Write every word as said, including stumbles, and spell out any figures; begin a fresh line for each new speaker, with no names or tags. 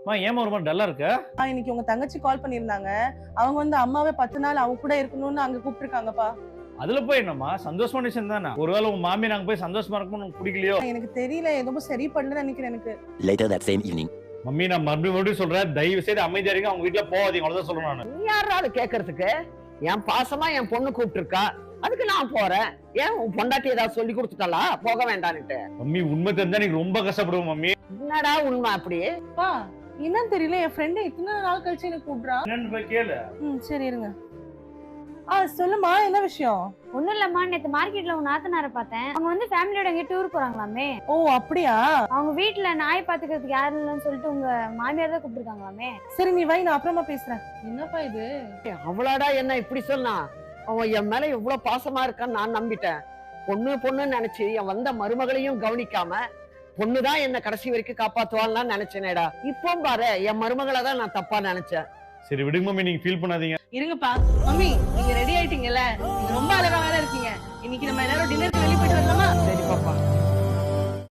ஏமா ஒரு மாதிரி டல்லா இருக்க?
இன்னைக்கு உங்க தங்கச்சி கால் பண்ணிருந்தாங்க. அவங்க வந்து அம்மாவே பத்து நாள் அவங்க கூட இருக்கணும்னு அங்க கூப்பிட்டுருக்காங்கப்பா.
அதுல போய் என்னம்மா சந்தோஷமான விஷயம் தானே. ஒருவேளை உங்க மாமி நாங்க போய் சந்தோஷமா இருக்கணும்னு உங்களுக்கு பிடிக்கலையோ?
எனக்கு தெரியல, எதுவும் சரி பண்ணலன்னு நினைக்கிறேன் எனக்கு.
Later that same evening.
Mummy நான் மறுபடியும் மறுபடியும் சொல்றேன், தயவு செய்து அமைதியா இருங்க, அவங்க வீட்டுல போகாதீங்க, அவ்வளவுதான் சொல்றேன் நானு.
நீ யாரா அது கேக்குறதுக்கு? என் பாசமா என் பொண்ணு கூப்பிட்டு இருக்கா, அதுக்கு நான் போறேன். ஏன் உன் பொண்டாட்டி ஏதாவது சொல்லி கொடுத்துட்டாளா போக வேண்டான்னுட்டு?
மம்மி உண்மை தெரிஞ்சா நீங்க ரொம்ப கஷ்டப்படுவோம் மம்மி.
என்னடா உண்மை அப்படி?
பா என்னன்னு தெரியல, என் ஃப்ரெண்ட் இத்தனை நாள் கழிச்சு எனக்கு கூப்பிடுறான்.
என்னன்னு போய் கேளு.
ம் சரி இருங்க. ஆ சொல்லுமா, என்ன விஷயம்?
ஒண்ணும் இல்லம்மா, நேத்து மார்க்கெட்ல உன் நாத்தனாரை பார்த்தேன். அவங்க வந்து ஃபேமிலியோட எங்க டூர் போறாங்களாமே.
ஓ அப்படியா?
அவங்க வீட்டுல நாய் பாத்துக்கிறதுக்கு யாரும் இல்லைன்னு சொல்லிட்டு உங்க மாமியார் தான் கூப்பிட்டுருக்காங்களாமே.
சரி நீ வை, நான் அப்புறமா பேசுறேன். என்னப்பா இது?
அவளாடா என்ன இப்படி சொன்னா? அவன் என் மேல எவ்வளவு பாசமா இருக்கான்னு நான் நம்பிட்டேன். பொண்ணு பொண்ணுன்னு நினைச்சு என் வந்த மருமகளையும் கவனிக்காம பொண்ணுதான் என்ன கடைசி வரைக்கும் காப்பாத்துவான்னு நினைச்சேனேடா. இப்போ பாரு என் மருமகளை தான் நான் தப்பா நினைச்சேன்.
சரி விடுங்க மம்மி, நீங்க ஃபீல் பண்ணாதீங்க.
இருங்கப்பா. மம்மி நீங்க ரெடி ஆயிட்டீங்கல்ல, நீங்க ரொம்ப அழகா வேற இருக்கீங்க. இன்னைக்கு நம்ம எல்லாரும் டின்னருக்கு வெளிய போயிட்டு வரலாமா?
சரி பாப்பா.